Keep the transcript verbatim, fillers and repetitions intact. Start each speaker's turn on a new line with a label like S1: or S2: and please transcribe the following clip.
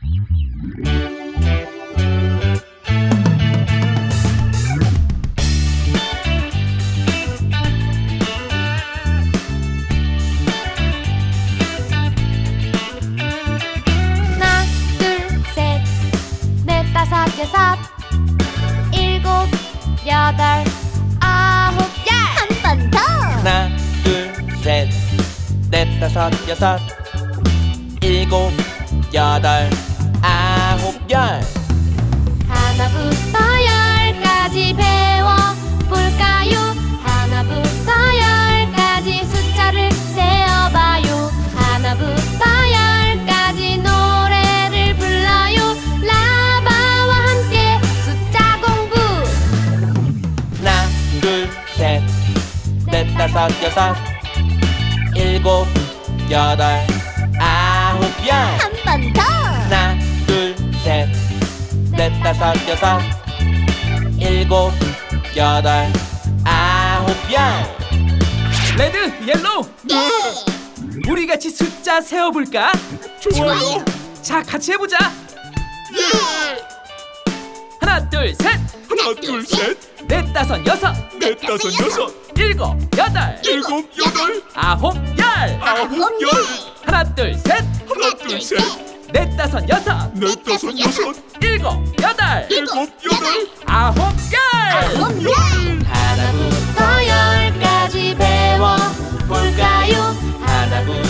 S1: 여섯, 일곱, 여덟, 아홉, 열. 한 번 더.
S2: 하나, 둘, 셋, 넷, 다섯, 여섯, 일곱, 여덟, 아홉, 열.
S1: 하나부터 열까지 배워볼까요? 하나부터 열까지 숫자를 세어봐요. 하나부터 열까지 노래를 불러요. 라바와 함께 숫자 공부.
S2: 하나, 둘, 셋, 넷, 다섯, 여섯, 일곱, 여덟, 아홉, 열.
S1: 한 번 더.
S2: 하나, 둘, 셋, 넷, 다섯, 여섯, 일곱, 여덟, 아홉, 열.
S3: 레드, 옐로우,
S1: 네.
S3: 우리 같이 숫자 세어볼까?
S1: 좋아요.
S3: 자, 같이 해보자.
S1: 예.
S3: 하나, 둘, 셋,
S4: 하나 둘 셋
S3: 넷, 다섯, 여섯,
S4: 넷 다섯 여섯
S3: 일곱, 여덟,
S4: 일곱 여덟
S3: 아홉, 열.
S4: 아홉 열
S3: 하나, 둘, 셋,
S4: 하나 둘 셋
S3: 넷, 다섯, 여섯,
S4: 넷 다섯 여섯
S3: 일곱, 여덟,
S4: 일곱 여덟
S3: 아홉, 열.
S1: 아홉, 열. 하나부터 열까지 배워볼까요? 하나부터